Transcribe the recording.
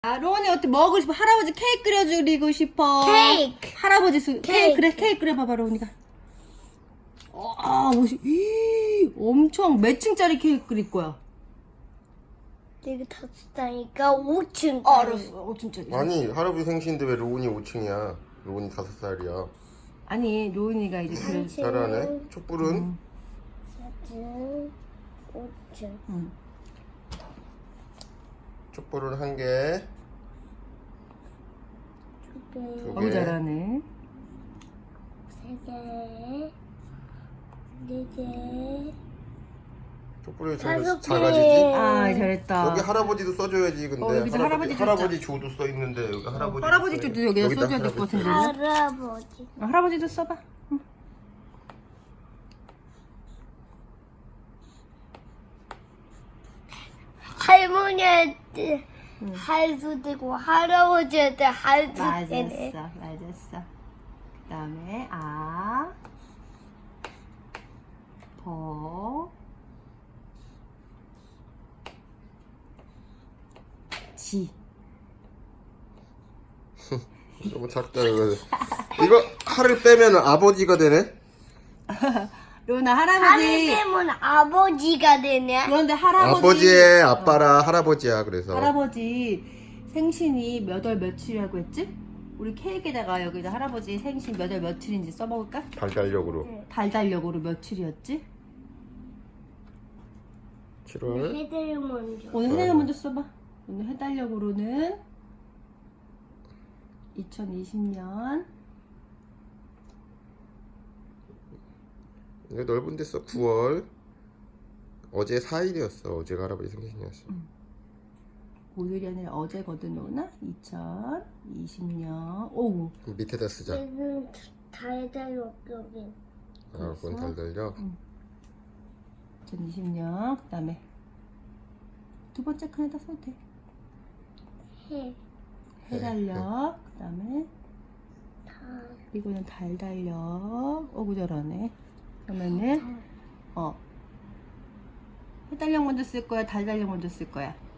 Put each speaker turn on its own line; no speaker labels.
자, 로운이 어떻게 먹고 싶어? 할아버지 케이크 끓여주리고 싶어.
케이크.
할아버지 케이크 그래,
케이크.
케이크 끓여봐봐, 로운이가. 엄청 몇 층짜리 케이크 끓일 거야?
내가 5살이니까 5층.
알았어, 5층짜리.
아니 할아버지 생신인데 왜 로운이 5층이야? 로운이 5살이야.
아니, 로운이가 이제 그래.
잘하네. 촛불은
4층, 5층.
촛불은 1개.
두 개,
너무 잘하네.
3개, 4개.
촛불이
다섯 개.
작아지지?
아, 잘했다.
여기 할아버지도 써줘야지. 근데
여기도 할아버지
할아버지 조도 써 있는데 여기 할아버지.
할아버지 쪽도 여기다 써줘야 될 것 같은데.
할아버지.
할아버지도 써봐.
할머니한테 할수 되고 할아버지한테 할수 되네.
맞았어. 그 다음에 지.
너무 작다 이거. 이거 할을 빼면 아버지가 되네.
로나
하늘
할아버지.
때문에 아버지가 되네.
그런데 할아버지.
아버지의 아빠라 할아버지야. 그래서
할아버지 생신이 몇 월 며칠이라고 했지? 우리 케이크에다가 여기다 할아버지 생신 몇 월 며칠인지 써먹을까?
달달력으로
달달력으로 며칠이었지?
7월.
해들 먼저.
오늘 해달 먼저 써봐. 오늘 해달력으로는 2020년
이거 넓은 데 써. 9월. 어제 4일이었어. 어제가 할아버지 생신이었어.
오늘이 아니라 어제거든, 로나? 2020년 오
밑에다 쓰자.
얘는 달달 여기.
아, 그건 달달력.
2020년 그 다음에 두 번째 칸에다 써도 돼.
해.
해달력 그 다음에
달.
이거는 달달력 어구 잘하네. 그러면은 해달력 먼저 쓸 거야, 달달력 먼저 쓸 거야?